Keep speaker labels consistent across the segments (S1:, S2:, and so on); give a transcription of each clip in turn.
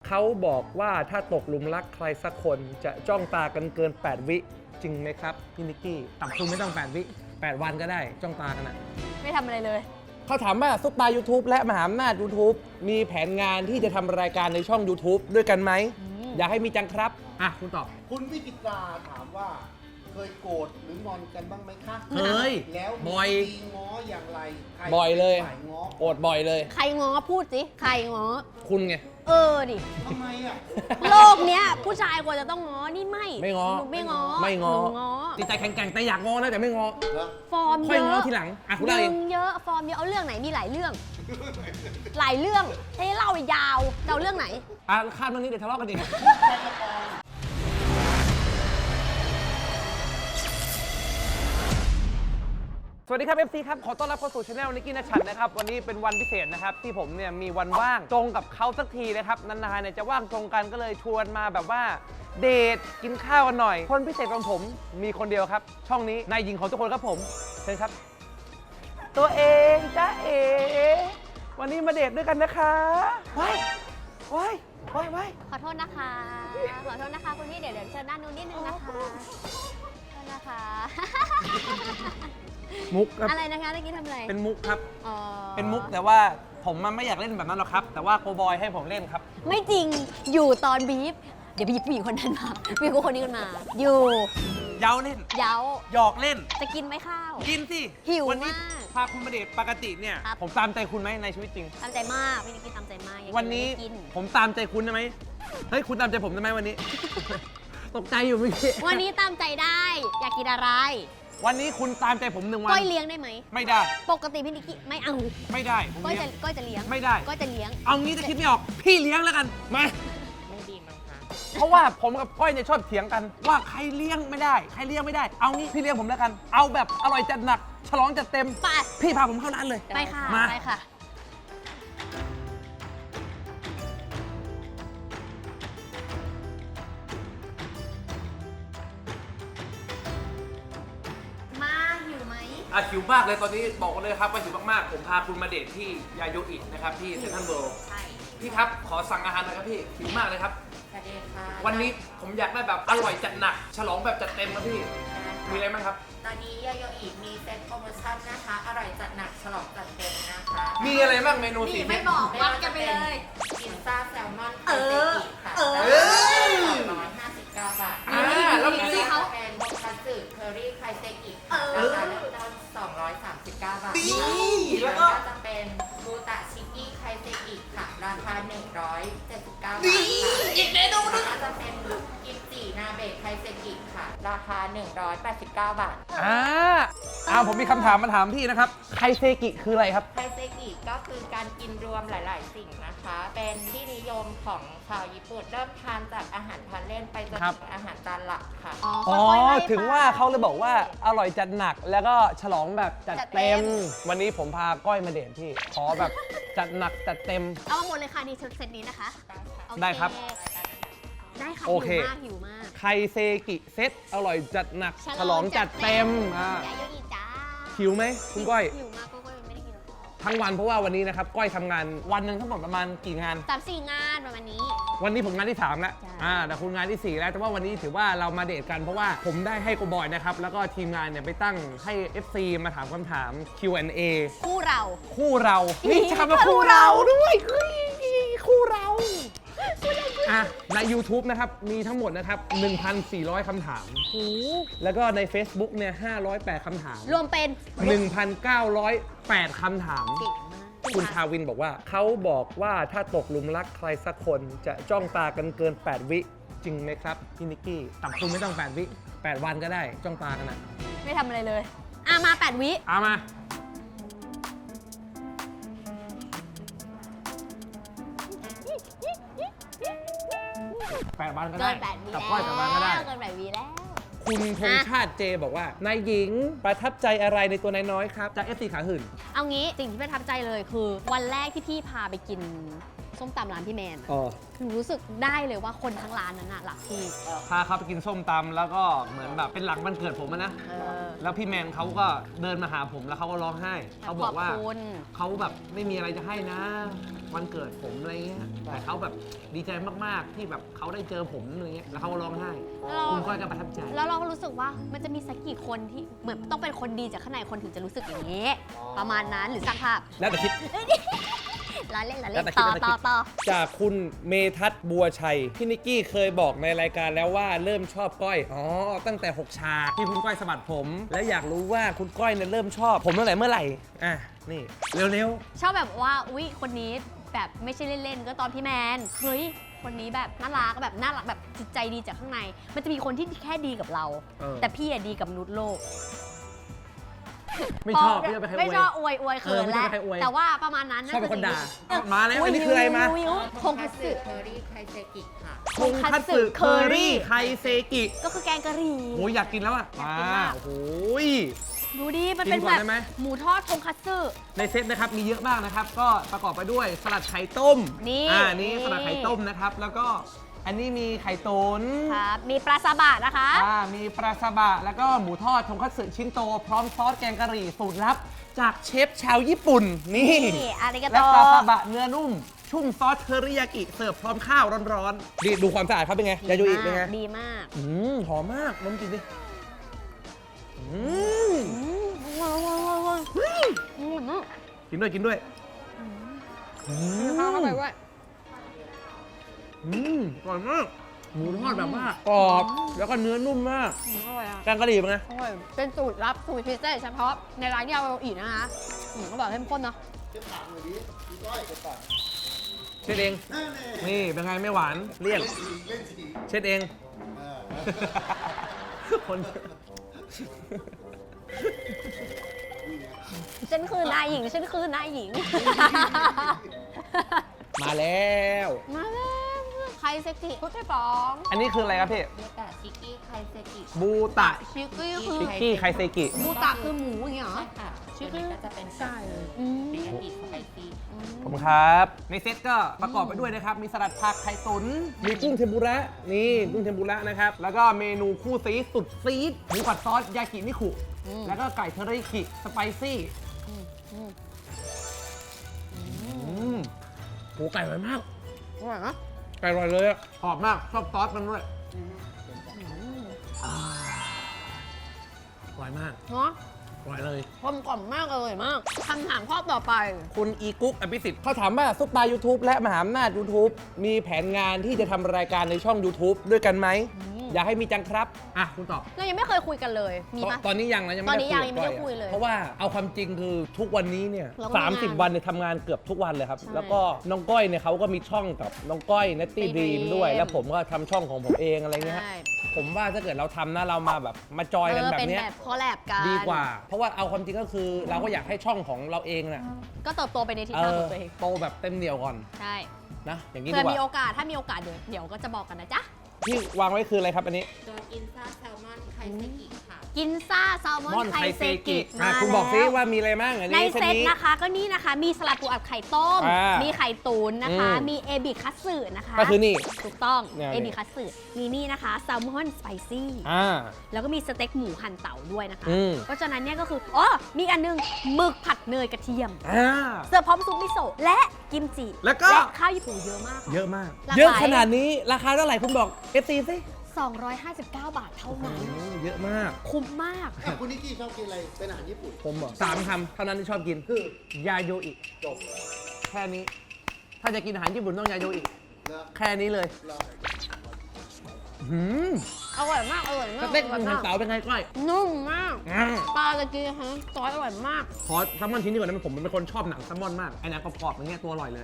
S1: เขาบอกว่าถ้าตกหลุมรักใครสักคนจะจ้องตากันเกิน8 วิจริงไหมครับพี่นิกกี้ต่ำสุดไม่ต้อง8 วิ8 วันก็ได้จ้องตากันนะ
S2: ไม่ทำอะไรเลย
S1: เขาถามว่าซุปตา YouTube และมหาอำนาจ YouTube มีแผนงานที่จะทำรายการในช่อง YouTube ด้วยกันไหมอยากให้มีจังครับคุณตอบ
S3: คุณวิจิตราถามว่าเคยโกรธหรืองอนกันบ้างไหมคะ
S1: เคย
S3: แล้ว
S1: บ่อย
S3: มีง้ออย่างไร
S1: บ่อยเลย
S3: ง้อ
S1: โกรธบ่อยเลย
S2: ใครง้อพูดสิใครง้อ
S1: คุณไง
S2: ดิ
S3: ทำไมอ่ะ
S2: โลกเนี้ยผู้ชายควรจะต้องง้อนี่
S1: ไม่ง้อ
S2: ไม่ง้อ
S1: จิตใจแข็งๆแต่อยากง้อนะแต่ไม่ง้อ
S2: ฟอร์มเยอะ
S1: ค่อยง้อทีหลังคุณเล่าเอง
S2: เยอะฟอร์มเยอะเอาเรื่องไหนมีหลายเรื่องหลายเรื่องให้เล่ายาวเอาเรื่องไหน
S1: ข้ามเรื่องนี้เดี๋ยวทะเลาะกันอีกสวัสดีครับ FC ครับขอต้อนรับเข้าสู่ช anel นิกกี้นัชชันนะครับวันนี้เป็นวันพิเศษนะครับที่ผมเนี่ยมีวันว่างตรงกับเขาสักทีนะครับนานๆเนี่ยจะว่างตรงกันก็เลยชวนมาแบบว่าเดทกินข้าวกันหน่อยคนพิเศษของผมมีคนเดียวครับช่องนี้นายหญิงของทุกคนครับผมเชิญครับตัวเองจ้าวันนี้มาเดทด้วยกันนะคะว้ายข
S2: อโทษนะคะคุณพี่เดี๋ยวเชิญด้านนู้นนิดนึงนะคะขอโทษนะคะ
S1: มุกครับ
S2: อะไรนะคะเมื่อกี้ทำอะไร
S1: เป็นมุกครับเป็นมุกแต่ว่าผมมันไม่อยากเล่นแบบนั้นหรอกครับแต่ว่าโกบอยให้ผมเล่นครับ
S2: ไม่จริงอยู่ตอนบีฟเดี๋ยวผู้หญิงคนนั้นมาผู้หญิงคนนี้กันมาอยู่
S1: เย้าเล่น
S2: เย้า
S1: หยอกเล่น
S2: จะกินไหมข้าว
S1: กินสิ
S2: หิว
S1: วันนี้
S2: มาก
S1: พาคุณมาเดทปกติเนี่ยผมตามใจคุณไหมในชีวิตจริง
S2: ตามใจมากพี่นิกกี้ตามใจมาก
S1: วันนี้ผมตามใจคุณได้ไหมเฮ้ยคุณตามใจผมได้ไหมวันนี้ ตกใจอยู่เมื่อกี้
S2: วันนี้ตามใจได้อยากกินอะไร
S1: วันนี้คุณตามใจผม1 วัน
S2: ก้อยเลี้ยงได้ไหม
S1: ไม่ได้
S2: ปกติพี่นิกกี้ไม่เอา
S1: ไม่ได้
S2: ก้อยจะเลี้ยง
S1: ไม่ได้
S2: ก้อยจะเลี้ยง
S1: เอางี้จะคิดไม่ออกพี่เลี้ยงแล้วกันมา
S2: ไม่ดีมั้งคะ
S1: เพราะว่าผมกับก้อยเนี่ยชอบเถียงกันว่าใครเลี้ยงไม่ได้ใครเลี้ยงไม่ได้เอางี้พี่เลี้ยงผมแล้วกันเอาแบบอร่อยจัดหนักฉลองจัดเต็ม
S2: ไป
S1: พี่พาผมเข้าร้านเลย
S2: ไปค่ะไปค่ะ
S1: หิวมากเลยตอนนี้บอกกันเลยครับว่าหิวมากๆผมพาคุณมาเดทที่ยาโยอินะครับที่เซ็นทรัลเวิลด์
S2: ใช่
S1: พี่ครับขอสั่งอาหารหน่อยครับพี่หิวมากเลยครับวันนี้ผมอยากได้แบบอร่อยจัดหนักฉลองแบบจัดเต็มครับพี่มีอะไรบ้างครับ
S4: ตอนนี้ยาโยอิมีเซ็ตโปรโมชั่นนะคะอร่อยจัดหนักฉลองจัดเต็มนะคะ
S1: มีอะไรบ้างเมนู4 เมนู
S2: ไม่บอกวัดกันไปเลย
S4: พิซซ่าแซลมอนไข่เซกิค่ะ259 บาท
S1: แล้วมี
S4: ที่เขาเป็นโมคัตสึเคอรี่ไข่เซกิราคาเริ่มต้น239 บาทแล้วก็จะเป็นบูตะชิกิไข่เซกิค่ะราคา179 บาท
S1: อีกเมนูนึง
S4: ก็จะเป็นกิมจินาเบะไข่เซกิค่ะราคา189 บาท
S1: ผมมีคำถามมาถามพี่นะครับไคเซกิคืออะไรครับ
S4: ไคเซกิก็คือการกินรวมหลายๆสิ่งนะคะเป็นที่นิยมของชาวญี่ปุ่นเริ่มทานจากอาหารทานเล่นไปจนถึงอาหารจานหลักค่ะ
S1: ถึงว่าเขาเลยบอกว่าอร่อยจัดหนักแล้วก็ฉลองแบบจัดเต็มวันนี้ผมพาก้อยมาเดทพี่ขอแบบจัดหนักจัดเต็ม
S2: เอาหมดเลยค่ะนี่เซตนี้นะคะ
S1: ได้ครับ
S2: ได้ค่ะหิวมาก
S1: ไคเซกิเซตอร่อยจัดหนักฉลองจัดเต็มหิวไหมคุณก้อย
S2: หิวมากก็ไม่ได้กิน
S1: ทั้งวันเพราะว่าวันนี้นะครับก้อยทำงานวันหนึ่งทั้งหมดประมาณกี่งาน
S2: 3-4 งานประมาณนี้
S1: วันนี้ผมงานที่3แล้วแต่คุณงานที่4แล้วแต่ว่าวันนี้ถือว่าเรามาเดทกันเพราะว่าผมได้ให้โกบอยนะครับแล้วก็ทีมงานเนี่ยไปตั้งให้ FC มาถามคำถาม Q&A
S2: คู่เรา
S1: นี่จะมาคู่เราด้วยคู่เราใน YouTube นะครับมีทั้งหมดนะครับ 1,400 คำถามแล้วก็ใน Facebook เนี่ย508 คำถาม
S2: รวมเป็น
S1: 1,908 คำถามคุณทาวินบอกว่าเขาบอกว่าถ้าตกหลุมรักใครสักคนจะจ้องตากันเกิน8 วิจริงไหมครับพี่นิกกี้ต่ำสุดไม่ต้อง8 วิ8 วันก็ได้จ้องตากันนะ
S2: ไม่ทำอะไรเลยมา8 วิ
S1: มา8 วันก็ได้
S2: กับ
S1: ก้อย8 วันก็ได้
S2: เกิน8 วิแล้ว
S1: คุณธงชาติเจบอกว่านายหญิงประทับใจอะไรในตัวนายน้อยครับจาก FC ขาหื่น
S2: เอางี้สิ่งที่ประทับใจเลยคือวันแรกที่พี่พาไปกินส้มตำร้านพี่แมนคือรู้สึกได้เลยว่าคนทั้งร้านนั้นหลักพี่
S1: พาเขาไปกินส้มตำแล้วก็เหมือนแบบเป็นหลังวันเกิดผมนะแล้วพี่แมนเขาก็เดินมาหาผมแล้วเขาก็ร้องไห้เขาบอกว่าเขาแบบไม่มีอะไรจะให้นะวันเกิดผมอะไรเงี้ยแต่เขาแบบดีใจมากๆที่แบบเขาได้เจอผมอะไรเงี้ยแล้วเขาก็ร้องไห้คุณก้อยก็ประทับใจ
S2: แล้วเราก็รู้สึกว่ามันจะมีสักกี่คนที่เหมือนต้องเป็นคนดีจากข้างในคนถึงจะรู้สึกอย่างนี้ ประมาณนั้นหรือสร้างภาพ
S1: แล้วแต่คิด
S2: ล้อเล่น
S1: แล้วแต่คิด
S2: ต่อ
S1: จากคุณเมทัศน์บัวชัยพี่นิกกี้เคยบอกในรายการแล้วว่าเริ่มชอบก้อยอ๋อตั้งแต่6ฉากที่คุณก้อยสะบัดผม แล้วอยากรู้ว่าคุณก้อยเนี่ยเริ่มชอบผมตั้งแต่เมื่อไหร่อ่ะนี่เร็ว
S2: ชอบแบบว่าอุ๊ยคนนี้แบบไม่ใช่เล่นๆก็ตอนพี่แมนเฮ้ยคนนี้แบบน่ารักแบบจิตใจดีจากข้างใน มันจะมีคนที่แค่ดีกับเรา แต่พี่อะดีกับมนุษย์โลก
S1: ไม่ชอบไม่ชอบไปใครอวย
S2: ไม่ชอบอวยเขิน
S1: ไม่ช
S2: แล้
S1: อบ
S2: ว
S1: ไปใครอวย
S2: แต่ว่าประมาณนั้น
S1: ชอบเป็นคนด่า
S2: จะดี
S1: มาแล้วอันนี้คืออะไรมา
S2: ทงคัตสึ
S4: เคอรี่ไคเซกิค่ะ
S1: ทงคัตสึเคอรี่ไคเซกิ
S2: ก็คือแกงกะหรี่
S1: โอ้ยอยากกินแล้วอ่ะ
S2: อยากกินมาก
S1: โอ้โหย
S2: ดูดิมันเป็น
S1: กินก่
S2: แบ
S1: อน
S2: บ
S1: ได้ไหม
S2: หมูทอดทงคัตสึ
S1: ในเซตนะครับมีเยอะมากนะครับ ก็ประกอบไปด้วยสลัดไข่ต้ม
S2: นี่
S1: นี่สลัดไข่ต้มนะครับ แล้วก็อันนี้มีไข่ตุ๋น
S2: ครับมีปลาซาบะนะคะ
S1: มีปลาซาบะแล้วก็หมูทอดทงคัตสึชิ้นโต พร้อมซอสแกงกะหรี่สูตรลับ จากเชฟชาวญี่ปุ่น นี่
S2: อาริกาโต
S1: และปลาซาบะเนื้อนุ่ม ชุ่มซอสเทอริยากิเสิร์ฟพร้อมข้าวร้อนๆดีดูความสะอาดครับเป็นไงยาโยอิเป็นไง
S2: ดีมาก
S1: หอมมากน้ำกินดิกินด้วยกินด้วย
S2: ข้าวเข้าไปด้วย
S1: อร่อยมากหมูทอดแบบว่ากรอบแล้วก็เนื้อนุ่มมาก
S2: อร่อยอ่ะ
S1: แกงกะหรี่เป็นไง
S2: อร่อยเป็นสูตรลับสูตรพิเศษเฉพาะในร้านที่เราอีกนะคะก็บอกเข้มข้นเนาะ
S3: เช็ดปากหน่อยดิพี่ก้อยเช็ดปาก
S1: เช็ดเอง
S3: นั่นเอง
S1: นี่เป็นไงไม่หวานเลี่ยน
S3: เล่นสี
S1: เช็ดเอง
S3: เออ
S1: คน
S2: ฉันคือนายหญิงฉันคือนายหญิง
S1: มาแล้ว
S2: มาแล้วใครเซ็กซี่พุทธฟอง
S1: อันนี้คืออะไรครับพี่
S4: บูตะชิกกี้ไคเซกิ
S1: บูตะ
S2: ชิคกี้คือ
S1: ชิกกี้ไคเซกิ
S2: บูตะคือหมูอย่างเงี้ยเหรอ
S4: ใช่ค่ะ
S2: ชิ
S4: ชิ
S2: ค
S4: ค
S2: กี้
S4: กี้ก็จะเป็น
S2: ใช่
S4: เรียกิสไปซี่
S1: ผมครับ ในเซตก็ประกอบไปด้วยนะครับ มีสลัดผักไข่ตุ๋นมีกุ้งเทมปุระนี่กุ้งเทมปุระนะครับ แล้วก็เมนูคู่ซีดสุดซีดหมูผัดซอสยากินิคุ แล้วก็ไก่เทอริยากิสไปซี่โหไก่อร่อยมาก
S2: อร่อยนะ
S1: ไก่อร่อยเลยอะหอมมาก ชอบซอสมันด้วยอร่อยมาก
S2: เนาะ
S1: อร่อยเลย
S2: กลมกล่อมมากเลยมากคำถามข้อต่อไป
S1: คุณอีกุ๊กอภิสิทธิ์เขาถามว่าซุปตา YouTube และมหาอำนาจ YouTube มีแผนงานที่จะทำรายการในช่อง YouTube ด้วยกันไหม อยากให้มีจังครับ อ่ะ คุณตอบ
S2: เรายังไม่เคยคุยกันเลย มีปะ
S1: ตอนนี้ยังนะยัง
S2: ต
S1: ไม่
S2: อน
S1: ได้
S2: นี้ยังไม่ได้คุยเลย
S1: เพราะว่าเอาความจริงคือทุกวันนี้เนี่ย
S2: เราก็มีงาน
S1: 30 วันเนี่ยทำงานเกือบทุกวันเลยครับ
S2: ใช่
S1: แล้วก็น้องก้อยเนี่ยเขาก็มีช่องกับน้องก้อยนัตตี้
S2: Natty
S1: ดีม
S2: Dream
S1: ด้วย แล้วผมก็ทำช่องของผมเองอะไรเงี้ยฮะ
S2: ใช่
S1: ผมว่าถ้าเกิดเราทำนะเรามาแบบมาจอยกันแบบ
S2: เป็น
S1: เนี้ย
S2: แบบคอลแลบกัน
S1: ดีกว่า เพราะว่าเอาความจริงก็คือเราก็อยากให้ช่องของเราเองน่ะ
S2: ก็เติบโตไปในทิศทางของตัวเอง
S1: โตแบบเต็มเหนียวก่อน
S2: ใช่
S1: นะอย่างนี้
S2: เผื่
S1: ดี
S2: อก มีโอ
S1: ว่า
S2: กาสถ้ามีโอกาสเดี๋ยวก็จะบอกกันนะจ๊ะ
S1: ที่วางไว้คืออะไรครับอันนี้
S4: ตัวกินซ่าแซลมอนไคเซกิค่ะ
S2: กินซ่าแซลมอนไคเซกิ
S1: อ่ะ
S2: มา
S1: คุณบอกซิ
S2: แล้ว
S1: ว่ามีอะไรบ้างอัน
S2: ใน
S1: นี้
S2: เซต
S1: นี้
S2: นะคะก็นี่นะคะมีสลัดปูอัดไข่ต้ม
S1: อ่ามี
S2: มีไข่ตุ๋นนะคะ
S1: อืม
S2: มีเอบิคัตสึนะคะ
S1: ก็คือนี่
S2: ถูกต้อง
S1: เนี่ย
S2: เอบิคัตสึมีนี่นะคะแซลมอนสไปซี่
S1: อ่า
S2: แล้วก็มีสเต็กหมูหั่นเต่าด้วยนะคะ
S1: อืม
S2: เพราะฉะนั้นเนี่ยก็คืออ๋อมีอันนึงหมึกผัดเนยกระเทียม
S1: อ่า
S2: เสิร์ฟพร้อมซุปมิโซะและกิมจิ
S1: แล้วก็
S2: ข้าวญี่ปุ่นเยอะมากค่ะ
S1: เยอะมาก
S2: หลากหลาย
S1: เยอะขนาดนี้ราคาเท่าไหร่คุณบอก FC สิ
S2: 259 บาทเท่านั้น
S1: เยอะมาก
S2: คุ้มมาก
S3: อ่ะคุณนิกกี้ชอบกินอะไร เป็นอาหารญี่ปุ่น
S1: ผมบอก3คำเท่านั้นที่ชอบกิน
S3: คือ
S1: ยาโยอิ
S3: จบ
S1: แค่นี้ ถ้าจะกินอาหารญี่ปุ่นต้องยาโยอิ
S3: นะ
S1: แค่นี้เลย
S3: เรา
S1: หืม
S2: อร่อยมากอร่อย
S1: ส
S2: มาก
S1: เต็กหมูหันเต๋าเป็นไงก้อย
S2: นุ่มมาก
S1: อ่า
S2: ปลาตะกี้ฮะซอสอร่อยมาก
S1: ขอแซลมอนชิ้นนี้ก่อนนะผมเป็นคนชอบหนังแซลมอนมากไอ้หนังกรอบๆอย่างเงี้ยตัวอร่อยเลย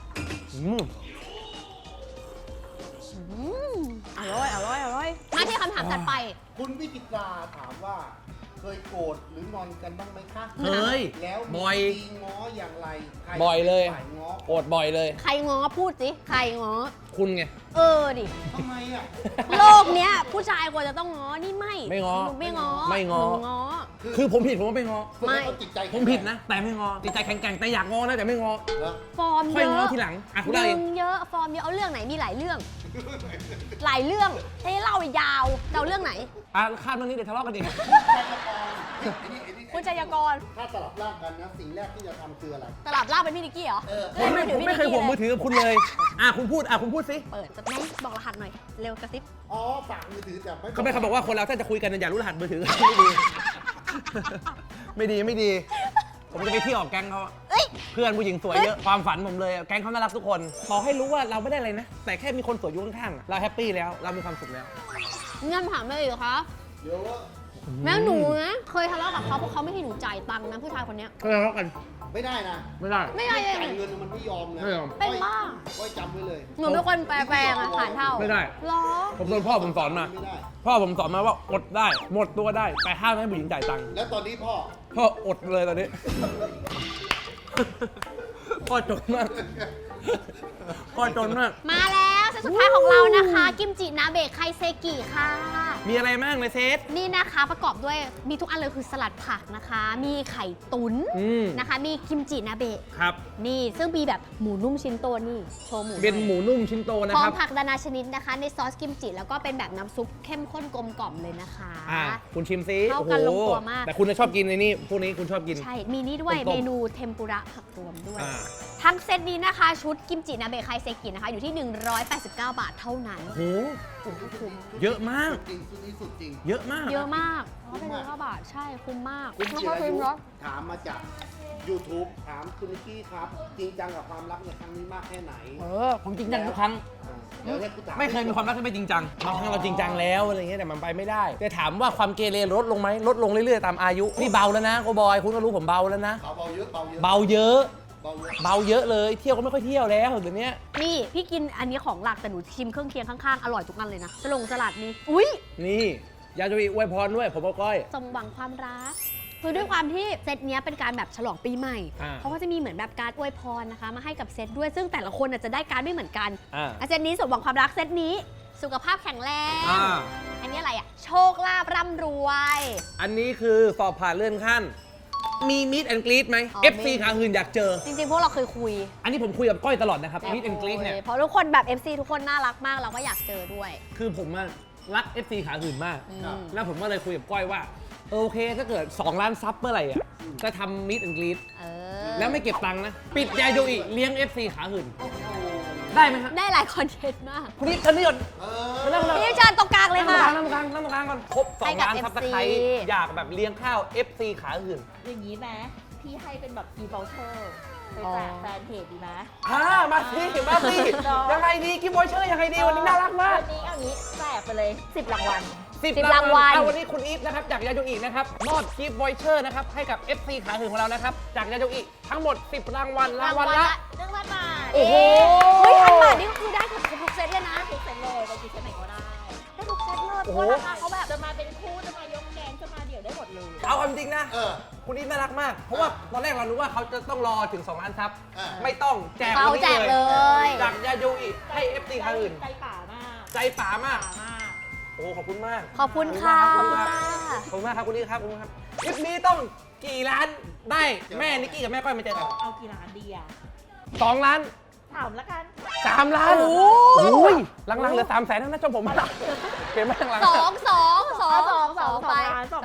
S2: อร่อยมาที่คำถามถัดไป
S3: คุณวิจิตราถามว่า เคยโกรธหรืองอนกันบ้างไหมคะ
S1: เคย
S3: แล้วมี
S1: บ่อย
S3: วิธีง้ออย่างไรใคร
S1: บ่อยเลย
S3: ฝ่ายง้อ
S1: โกรธบ่อยเลย
S2: ใครง้อพูดสิ ใครง้อ
S1: คุณไง
S2: เออดิ
S3: ทำไมอ่ะ
S2: โลกเนี้ยผู้ชายควรจะต้องง้อ นี่ไม่
S1: ไม่ง้อ
S2: หนูไม่ง้อ
S1: ไม่ง้อ
S2: หนูง้อ
S1: คือผมผิดผมก็ไม่งอ
S3: ฝึกให้เขาจิตใจ
S1: ผมผิดนะ แต่ไม่งอจิตใจแข็งแกร่งแต่อยากงอนะแต่ไม่งอ
S3: เหรอ
S2: ฟอร์ม
S1: ค่
S2: เย
S1: อยงอ
S2: อะ
S1: ทีหลังอ่ะคุณเล่า
S2: ดึ
S1: เอง
S2: งเยอะ ฟอร์มเยอะ เอาเรื่องไหน มีหลายเรื่อง หลายเรื่อง ให้เล่ายาวจะเอาเรื่องไหน
S1: อ่ะข้ามเรื่องนี้เดี๋ยวทะเลาะกันอีก
S3: ไอ้นี่
S2: คุณชัยกร
S3: ถ้าสลับร่างกันนะสิ่งแรกที่จะทำคืออะไร
S2: สลับร่างเป็นพี่นิกกี้เหรอ
S1: ผมไม่เคยห่วงมือถือกับคุณเลยคุณพูดสิ
S2: เปิดจะไหนบอกรหัสหน่อย เร็วกระซิบ
S3: อ๋อฝากมือถือแต่ไม่
S1: เขาบอกว่าคนเราถ้าจะคุยกันอย่ารู้รหัสมือถือ ไม่ดี ไม่ดี ผมจะไปเที่ยวกับแก๊งเขา
S2: เอ้ย
S1: เพื่อนผู้หญิงสวยเยอะความฝันผมเลยแก๊งเขาน่ารักทุกคนขอให้รู้ว่าเราไม่ได้อะไรนะ แต่แค่มีคนสวยอยู่ข้างๆเราแฮปปี้แล้วเรามีความสุขแล้ว
S2: งั้นถามเลยเหรอคะ
S3: เดี๋ยวว่า
S2: แม่หนูนะเคยทะเลาะกับเขาเพราะเขาไม่ให้หนูจ่ายตังค์นะผู้ชายคนเนี้ย
S1: ก็ทะเลาะกัน
S3: ไม่ได้นะ
S1: ไม่ได้
S2: ไม่ได้
S3: จ่ายเงินมันไม่ยอมนะ
S1: ไม่ยอม
S2: เป็นบ้า
S3: ไว้จำไว้เลย
S2: หนูเป็นคนแปลงอะผ่านเท่า
S1: ไม่ได้
S2: หรอ
S1: ผมโดนพ่อผมสอนมา
S3: ไม่ได้
S1: พ่อผมสอนมาว่าอดได้หมดตัวได้แต่ห้ามให้ผู้หญิงจ่ายตังค์
S3: แล้วตอนนี้พ่อ
S1: พ่ออดเลยตอนนี้ พ่อจนมากพ่อจนมาก
S2: มาแล้วเซตสุดท้ายของเรานะคะ กิมจินาเบะไคเซกิค่ะ
S1: มีอะไรบ้างในเซต
S2: นี่นะคะประกอบด้วยมีทุกอันเลยคือสลัดผักนะคะ มีไข่ตุ๋น
S1: อืม
S2: นะคะ มีกิมจินาเบะ
S1: ครับ
S2: นี่ซึ่งมีแบบหมูนุ่มชิ้นโตนี่โชว์หมู
S1: เป็นหมูนุ่มชิ้นโตนะ
S2: พร้อ
S1: ค
S2: ม
S1: รับ
S2: ผักนานาชนิดนะคะ ในซอสกิมจิแล้วก็เป็นแบบน้ำซุปเข้มข้นกลมกล่อมเลยนะคะ
S1: คุณชิมซิ
S2: เข้ากันลงตัวมาก
S1: แต่คุณจะชอบกินในนี่พวกนี้คุณชอบกิน
S2: ใช่ มีนี่ด้วย
S1: ต้มๆ
S2: เมนูเทมปุระผักรวมด้วย
S1: อ่า
S2: ทั้งเซตนี้นะคะชุดกิมจินาเบะไคเซกินะคะอยู่ที่ 189 บาทเท่านั้น
S1: โหเยอะมาก
S3: จริงสุดนี้สุดจริง
S1: เยอะมาก
S2: เยอะมากเพราะเป็น109 บาทใช่คุ้มมาก
S3: คุณ
S2: ไม่
S3: จิ
S2: ค่อย
S3: รา
S2: คุ้ม
S3: ยุ
S2: เนาะ
S3: ถามมาจาก YouTube ถามคุณนิกกี้ครับ จริงจังกับความรักในครั้งนี้มากแค่ไหน
S1: ผมจริงจังทุกครั้ง
S3: เดี๋ยวให้กูถาม
S1: ไม่เคยมีความรักที่ไม่จริงจังบางครั้งเราจริงจังแล้วอะไรเงี้ยแต่มันไปไม่ได้แต่ถามว่าความเกเรลดลงไหมลดลงเรื่อยๆตามอายุนี่เบาแล้วนะโกบอยคุณก็รู้ผมเบาแล้วนะ
S3: เบาเยอะเบาเยอะ
S1: เบาเยอะ
S3: เบาเยอะ
S1: เบาเยอะเลยเที่ยวก็ไม่ค่อยเที่ยวแล้วเดี๋ยวนี้
S2: นี่พี่กินอันนี้ของหลักแต่หนูชิมเครื่องเคียงข้างๆ อร่อยทุกอันเลยนะสลัดนี่อุ้ย
S1: นี่ยาจะมีอวยพรด้วยผมก็ก้อย
S2: สมหวังความรักคือด้วยความที่เซตเนี้ยเป็นการแบบฉลองปีใหม่
S1: อ่า
S2: เพราะว่าจะมีเหมือนแบบการอวยพรนะคะ มาให้กับเซตด้วยซึ่งแต่ละคนน่ะจะได้การไม่เหมือนกัน
S1: อ่า
S2: เซตนี้สมหวังความรักเซตนี้สุขภาพแข็งแรง
S1: อ่า
S2: อันนี้อะไรอ่ะโชคลาภร่ำรวย
S1: อันนี้คือสอบผ่านเลื่อนขั้น มีมิดแอนกรีดไหม
S2: อ๋อ
S1: FC ขาหื่นอยากเจอ
S2: จริงๆ พวกเราเคยคุย
S1: อันนี้ผมคุยกับก้อยตลอดนะครับมิดแอนกรีดเนี่ย
S2: เพราะทุกคนแบบ FC ทุกคนน่ารักมากเราก็อยากเจอด้วย
S1: คือผมอะรัก FC ขาหื่นมาก
S2: อืม
S1: แล้วผมก็เลยคุยกับก้อยว่าโอเคถ้าเกิด 2 ล้านซับเมื่อไหร่อ่ะจะทำมิดแอนกรีด
S2: เออ
S1: แล้วไม่เก็บตังค์นะ ปิดยาโยอิเลี้ยง FC ขาหื่น ได้ไหมครับ
S2: ได้หลายคอนเทนต์มาก
S1: คุณนิดท่านนี่ก่อน
S3: เอ
S1: มานั่ง
S2: พี่เชิญตรงกลางเลยค่ะ
S1: นั่งกลางก่อนครบ
S2: ให้
S1: 2
S2: กับ
S1: ล้านซับสไคร
S2: FC
S1: อยากแบบเลี้ยงข้าว FC ขาหื่น
S5: อย่างนี้ไหมพี่ให้เป็นแบบกีบอลเชอร์ไปแจกแฟนเพจดีไหม
S1: มาสิยังไงดีกิฟต์วอยเชอร์ยังไงดีวันนี้น่ารักมาก
S5: วันนี้เอางี้แจกไปเลย 10 รางวัล
S2: รางวัล
S1: วันนี้คุณอีฟนะครับจากยาโยอินะครับมอบกิฟต์วอยเชอร์นะครับให้กับ FC ขาหื่นของเรานะครับจากยาโยอิทั้งหมด 10 รางวัลรางวัลละ
S5: 1,000 บาท
S1: โอ้โห
S2: เฮ้ย1,000 บาทนี่ก็คือได้ทุกเซตเลยนะ
S5: ทุกเซตเลยไปกี่เซตไหนก็ได้
S2: ได้ทุกเซตเลย
S1: โอ้
S2: เพ
S1: โห
S2: ราะราคาเขาแบบ
S5: จะมาเป็นคู่จะมายกแกงจะมาเดี่ยวได้หมดเลย
S1: เอาความจริงนะ
S3: เออ
S1: คุณอีฟน่ารักมาก เพราะว่าตอนแรกเรารู้ว่าเขาจะต้องรอถึง 2 ล้านซับ
S3: อ่า
S1: ไม่ต้องแจก
S2: เขา
S1: วันนี้
S2: แจกเลย
S1: จากยาโยอิให้ FC ขาหื่น
S5: ใจป่ามาก
S1: ใจป๋ามาก
S5: ป่ามาก
S1: โอ้ขอบคุณมาก
S2: ขอบคุณค่ะ
S1: ขอบคุณครับขอบคุณมากครับคุณอีฟครับขอบคุณครับคลิปนี้ต้องกี่ล้านได้แม่นิกกี้กับแม่ก้อยมาเจอกัน
S5: เอากี่ล้านดีอ่ะ
S1: 2 ล้าน
S5: ถามแล้วกัน
S1: 3 ล้านโอ้ยหลังๆเหลือ300,000แล้วนะชมผมเปลี่ยนมาหลัง
S2: สองไป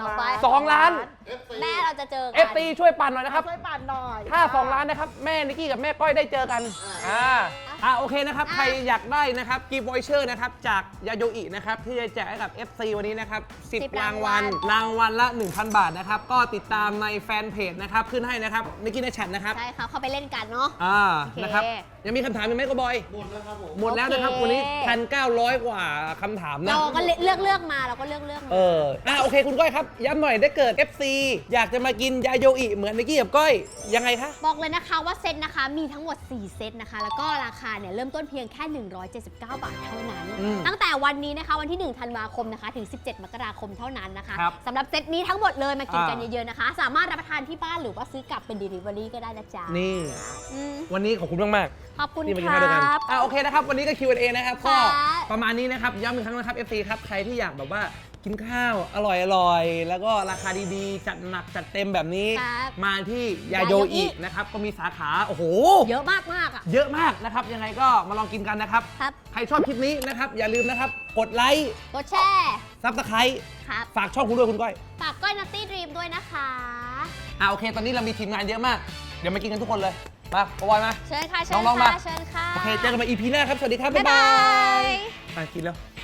S1: 2 ล้าน
S3: FC
S2: แม่เราจะเจอกั
S1: FC ช่วยปั่นหน่อยนะครับ
S5: ช่วยปั่นหน่อย
S1: ถ้า 2 ล้านนะครับ แม่นิกกี้กับแม่ก้อยได้เจอกันโอเคนะครับ ใครอยากได้นะครับกีบอยเชอร์นะครับ จากยาโยอินะครับ ที่จะแจกให้กับ FC วันนี้นะครับ 10 รางวัล รางวัลละ 1,000 บาทนะครับ ก็ติดตามในแฟนเพจนะครับ ขึ้นให้นะครับนิกกี้ในแชทนะครับ
S2: ใช่ค่ะเข้าไปเล่นกันเนาะ
S1: นะครับ ยังมีคำถามอีกไหมก็บอย
S3: หมดแล้วครับผม
S1: หมดแล้วนะครับ
S2: โอเค
S1: วันนี้ 1,900 กว่าคำถามนะ
S2: เราก็เลือกมาเราก็เลือกมา
S1: โอเคคุณก้อยครับ ย้ำหน่อยได้เกิด FC อยากจะมากินยาโยอิเหมือนนิกกี้กับก้อย ยังไงคะ
S2: บอกเลยนะคะว่าเซตนะคะมีทั้งหมด 4 เซตนะคะ แล้วก็ราคาเนี่ยเริ่มต้นเพียงแค่ 179 บาทเท่านั้น ตั้งแต่วันนี้นะคะวันที่ 1 ธันวาคมนะคะถึง 17 มกราคมเท่านั้นนะคะ
S1: ครับ
S2: สำหรับเซตนี้ทั้งหมดเลยมากินกันเยอะๆนะคะ สามารถรับประทานที่บ้านหรือว่าซื้อกลับเป็น Delivery ก็ได้นะจ๊ะ
S1: นี่
S2: อืม
S1: วันนี้ขอบคุณมาก
S2: ขอบคุณ
S1: ๆที่มากิน
S2: ค
S1: ข้าวด้วยกัน
S2: รับ
S1: โอเคนะครับ วันนี้ก็ Q&A นะครับ
S2: ค่ะ
S1: ก็ประมาณนี้นะครับ ย้ำอีกครั้งนะครับ FC ครับ ใครที่อยากแบบว่ากินข้าวอร่อยๆ แล้วก็ราคาดีๆ จัดหนักจัดเต็มแบบนี้
S2: ครับ
S1: มาที่ยาโย
S2: ยาโยอิ
S1: อินะครับ ก็มีสาขา โอ้โห
S2: เยอะมากๆอ่ะ
S1: เยอะมากนะครับ ยังไงก็มาลองกินกันนะครับ
S2: ครับ
S1: ใครชอบคลิปนี้นะครับ อย่าลืมนะครับ กดไลค์
S2: กดแชร์
S1: ซับสไครต์
S2: ครับ
S1: ฝากช่องคุณด้วยคุณก้อย
S2: ฝากก้อยนัตตี้ดรีมด้วยนะคะ
S1: โอเค ตอนนี้เรามีทีมงานเยอะมาก เดี๋ยวมากินกันทุกคนเลย มาปอยมา
S2: เชิญค่ะ เชิญ
S1: น้องๆมา
S2: ค่ะ เชิญค่ะ
S1: โอเค เจอกันใหม่ EP หน้าครับ สวัสดีครับ
S2: บ๊ายบาย
S1: มากินแล้ว